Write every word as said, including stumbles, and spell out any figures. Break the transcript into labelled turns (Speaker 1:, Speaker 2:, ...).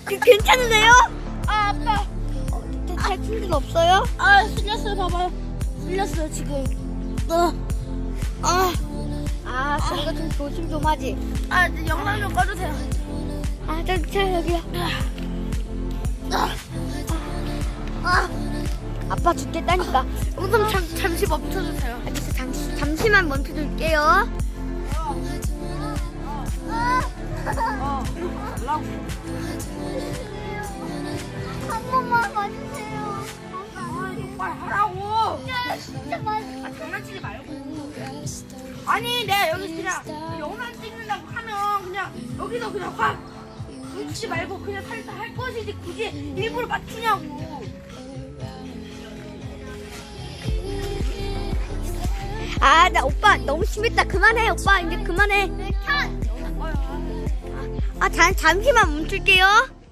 Speaker 1: 그, 괜찮으세요?
Speaker 2: 아 아빠.
Speaker 1: 어, 다친 일 없어요?
Speaker 2: 아 쓸렸어요. 봐봐요. 쓸렸어요 지금. 어. 아.
Speaker 1: 아, 그거 좀 조심 좀 하지.
Speaker 2: 아 이제 영상 좀 꺼주세요.
Speaker 1: 아, 저, 저, 여기요.
Speaker 2: 아. 아.
Speaker 1: 아빠 죽겠다니까.
Speaker 2: 영상 잠 잠시 멈춰주세요.
Speaker 1: 알겠어, 잠시, 잠시만 멈춰둘게요.
Speaker 2: 어. 라고.
Speaker 1: 한 번만 봐주세요.
Speaker 2: 빨리 하라고.
Speaker 1: 진짜 맛.
Speaker 2: 아 장난치지 말고. 아니 내가 여기 그냥 영상 찍는다고 하면 그냥 여기서 그냥 확 묻지 말고 그냥 살짝 할 것이지 굳이 일부러 맞추냐고.
Speaker 1: 아, 나 오빠 너무 심했다. 그만해, 오빠. 이제 그만해.
Speaker 2: 영상 꺼요.
Speaker 1: 아, 잠, 잠시만 멈출게요.